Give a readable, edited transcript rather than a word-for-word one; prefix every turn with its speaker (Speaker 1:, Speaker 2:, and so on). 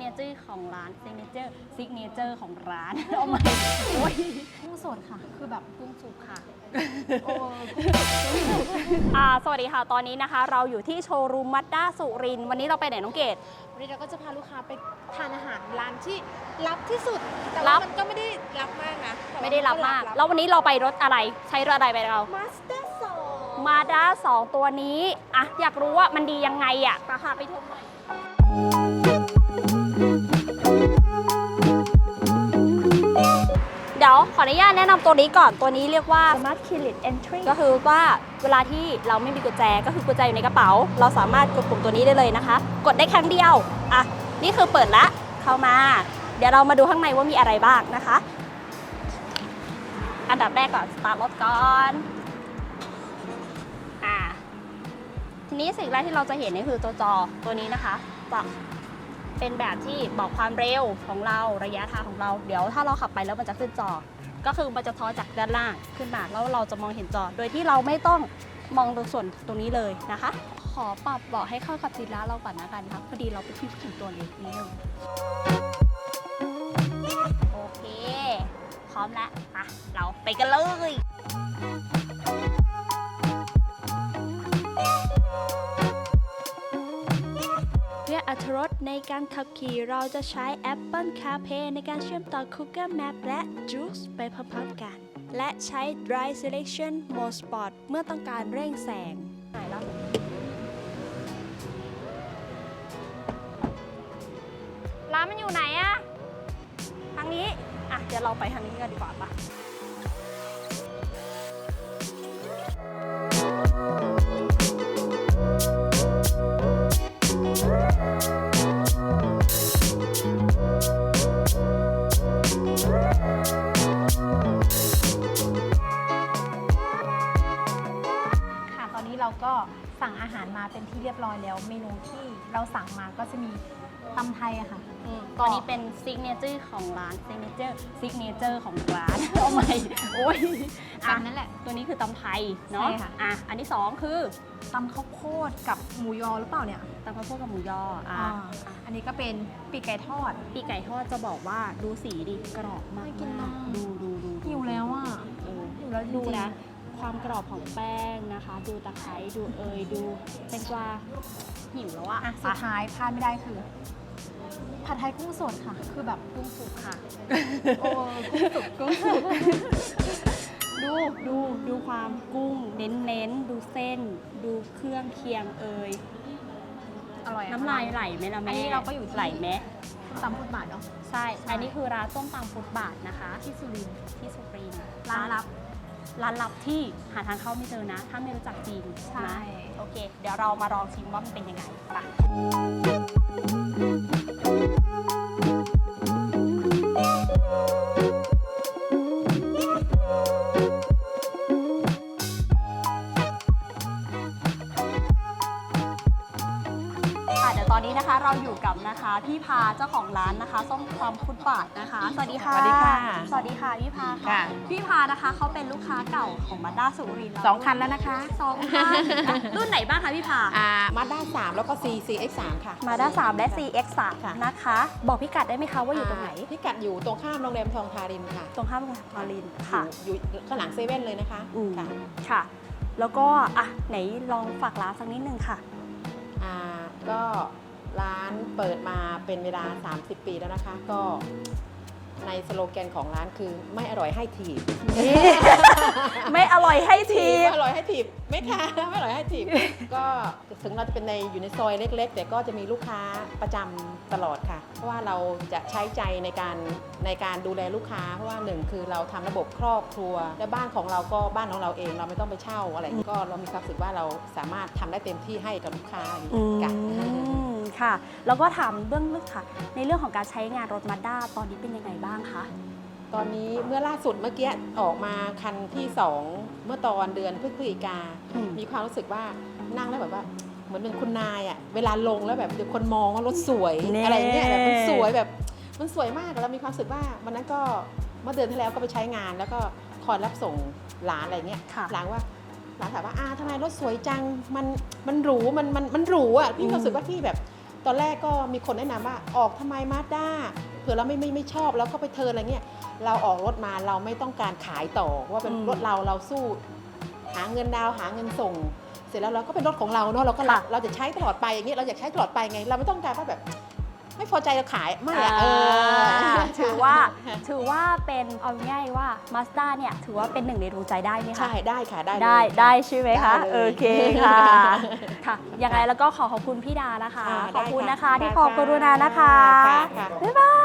Speaker 1: เนเจอร์ของร้านซิกเนเจอร์ของร้านเอาใหม่โอ้ย
Speaker 2: กุ้งสดค่ะ คือแบบกุ้งสุกค่ะ โอ้
Speaker 1: สวัสดีค่ะตอนนี้นะคะ เราอยู่ที่โชว์รูมมัดด้าสุรินทร์วันนี้เราไปไหนน้องเกด
Speaker 2: วันนี้เราก็จะพาลูกค้าไปทานอาหารร้านที่ลับที่สุด แต่
Speaker 1: ลั
Speaker 2: ว่า
Speaker 1: บ
Speaker 2: มันก็ไม่ได้ลับมากนะแต่ว่า
Speaker 1: ไม่ได้รับมาก
Speaker 2: น
Speaker 1: แล้ววันนี้เราไปรถอะไรใช้รถอะไรไปเรา
Speaker 2: มาสเตอร์สอง
Speaker 1: มาด้า2ตัวนี้อะอยากรู้ว่ามันดียังไงอะราคาไปชมหน่อยเดี๋ยวขออนุญาตแนะนำตัวนี้ก่อนตัวนี้เรียกว่า
Speaker 2: Smart Keyless Entry
Speaker 1: ก็คือว่าเวลาที่เราไม่มีกุญแจก็คือกุญแจอยู่ในกระเป๋า เราสามารถกดปุ่มตัวนี้ได้เลยนะคะ กดได้ครั้งเดียวอ่ะนี่คือเปิดละเข้ามา เดี๋ยวเรามาดูข้างในว่ามีอะไรบ้างนะคะ อันดับแรกก่อนสตาร์ทรถก่อนทีนี้สิ่งแรกที่เราจะเห็นนี่คือตัวจอตัวนี้นะคะจะเป็นแบบที่บอกความเร็วของเราระยะทางของเราเดี๋ยวถ้าเราขับไปแล้วมันจะขึ้นจอ ก็คือมันจะทอจากด้านล่างขึ้นมาแล้วเราจะมองเห็นจอ โดยที่เราไม่ต้องมองตรงส่วนตรงนี้เลยนะคะ ขอปรับเบาะให้เข้ากับสีร้านเราก่อนนะกันครับพอดีเราเป็นผู้หญิงตัวเล็กนิดนึงโอเคพร้อมแล้วอ่ะเราไปกันเลยเพื่ออรรถรสในการขับขี่เราจะใช้ Apple CarPlay ในการเชื่อมต่อ Google Map และ Juice ไปพร้อมๆกัน และใช้ Drive Selection Mode Sport เมื่อต้องการเร่งแซงไหนแล้วร้านมันอยู่ไหนอะทางนี้อ่ะเดี๋ยวเราไปทางนี้กันดีกว่าปะ
Speaker 2: เราก็สั่งอาหารมาเป็นที่เรียบร้อยแล้วเมนูที่เราสั่งมาก็จะมีตำไทยอะค่ะ
Speaker 1: ตัวนี้เป็นซิกเนเจอร์ของร้านซิกเนเจอร์ของร้านเอาใหม่โอ้ย
Speaker 2: ตำนั่นแหละ
Speaker 1: ตัวนี้คือตำไทยเนาะ
Speaker 2: ใช่ค่ะ
Speaker 1: อันที่2คือ
Speaker 2: ตำข้าวโพดกับหมูยอหรือเปล่าเนี่ย
Speaker 1: ตำข้าวโพดกับหมูยอ
Speaker 2: อันนี้ก็เป็นปีกไก่ทอด
Speaker 1: ปีกไก่ทอดจะบอกว่าดูสีดิกรอบมาก
Speaker 2: น่ากินมาก
Speaker 1: ดู
Speaker 2: หิวแล้วอ่ะหิวแล้วจริงๆ
Speaker 1: ดูนะความกรอบของแป้งนะคะ ดูตะไคร้ดูดูแตงกวาหิวแล้วอะ
Speaker 2: สุดท้ายพลาดไม่ได้คือผัดไทยกุ้งสดค่ะ คือแบบกุ้งสุกค่ะ โอ้กุ้งสุก
Speaker 1: ดูความกุ้งเน้นดูเส้น ดูเครื่องเคียง
Speaker 2: อร่อย
Speaker 1: น้ำลายไหลไหมล่ะแม่
Speaker 2: อันนี้เราก็อยู่ที่
Speaker 1: ไหลไหม
Speaker 2: ตำพุทธบาทเนาะ
Speaker 1: ใช่ อันนี้คือร้านส้มตำฟุตบาทนะคะ
Speaker 2: ที่สุรินทร์
Speaker 1: ที่สุรินทร์
Speaker 2: ร้านลับ
Speaker 1: ร้านลับที่หาทางเข้าไม่เจอนะ ถ้าไม่รู้จักจริง
Speaker 2: ใช่
Speaker 1: นะโอเค เดี๋ยวเรามาลองชิมว่ามันเป็นยังไงไปเดี๋ยวตอนนี้นะคะเราอยู่กับนะคะพี่พาเจ้าของร้านนะคะส้มตำฟุตบาทนะคะ สวัสดีค่ะ
Speaker 3: สวัสดีค่ะ
Speaker 1: สวัสดีค่ะพี่พาค่ะ
Speaker 3: ค่ะ
Speaker 1: พี่พานะคะเขาเป็นลูกค้าเก่าของมาด้าสุรินทร์
Speaker 3: 2 คันแล้วนะคะ
Speaker 1: 2 คันรุ่นไหนบ้างคะพี่พา
Speaker 3: มาด้า3แล้วก็ CX3 ค่ะ
Speaker 1: มาด้า3และ CX3
Speaker 3: ค่ะ
Speaker 1: นะคะ บอกพิกัดได้ไหมคะว่าอยู่ตรงไหน
Speaker 3: พิกัดอยู่ตรงข้ามโรงแรมทองทารินค่ะ
Speaker 1: ตรงข้ามโรงแรมทารินค่ะ
Speaker 3: อยู่ข้างหลังเซเว่นเลยนะคะ ค่ะ
Speaker 1: ค่ะ แล้วก็ไหนลองฝากร้านสักนิดนึงค่ะ
Speaker 3: ก็ร้านเปิดมาเป็นเวลา 30 ปีแล้วนะคะ ก็ในสโลแกนของร้านคือไม่อร่อยให้ถีบ
Speaker 1: ไม่อร่อยให้ที
Speaker 3: ไม่อร่อยให้ถีบไม่ค่ะไม่อร่อยให้ถีบ ก็ถึงเราจะเป็นอยู่ในซอยเล็กๆ แต่ก็จะมีลูกค้าประจำตลอดค่ะ เพราะว่าเราจะใช้ใจในการดูแลลูกค้า เพราะว่าหนึ่งคือเราทำระบบครอบครัว และบ้านของเราก็บ้านของเราเองเราไม่ต้องไปเช่าอะไร ก็เรามีความรู้สึกว่าเราสามารถทำได้เต็มที่ให้กับลูกค้าอย่างนี้ค่ะ
Speaker 1: ค่ะ แล้วก็ถามเบื้องลึกค่ะ ในเรื่องของการใช้งานรถมาด้าตอนนี้เป็นยังไงบ้างคะ
Speaker 3: ตอนนี้เมื่อล่าสุดเมื่อกี้ออกมาคันที่ 2 เมื่อตอนเดือนพฤศจิกา มีความรู้สึกว่านั่งแล้วแบบว่าเหมือนเป็นคุณนายอ่ะเวลาลงแล้วแบบเดี๋ยวคนมองว่ารถสวย อะไรเงี้ยแบบมันสวยแบบมันสวยมากแล้วมีความรู้สึกว่าวันนั้นก็เมื่อเดือนที่แล้วก็ไปใช้งานแล้วก็คอยรับส่งหลานอะไรเงี้ย
Speaker 1: ค่ะ
Speaker 3: หลานถามว่าทำไมรถสวยจังมันหรูมันหรูอ่ะพี่รู้สึกว่าพี่แบบตอนแรกก็มีคนแนะนำว่าออกทำไมมาสด้าเผื่อเราไม่ชอบแล้วก็ไปเทิร์นอะไรเงี้ยเราออกรถมาเราไม่ต้องการขายต่อว่าเป็นรถเราสู้หาเงินดาวหาเงินส่ง เสร็จแล้วเราก็เป็นรถของเราเนาะเราก็รัก
Speaker 1: ค่ะ
Speaker 3: เราจะใช้ตลอดไปอย่างเงี้ยเราอยากใช้ตลอดไปไง เราไม่ต้องการว่าแบบ ไม่พอใจเราขายไม่อะ
Speaker 1: ถือว่าเป็นเอาง่ายว่า Mazda เนี่ยถือว่าเป็นหนึ่งในดวงใจได้ไหมคะ
Speaker 3: ใช่ได้ค่ะได้เลย
Speaker 1: ได้ใช่ไหมคะ
Speaker 3: ได้เลย
Speaker 1: โอเคค่ะค่ะยังไงแล้วก็ขอบคุณพี่ดานะคะ
Speaker 3: อ่า
Speaker 1: ขอบคุณ
Speaker 3: ได้
Speaker 1: นะคะที่
Speaker 3: ได้
Speaker 1: ขอบกรุณานะคะ
Speaker 3: ค่ะ
Speaker 1: บ๊ายบาย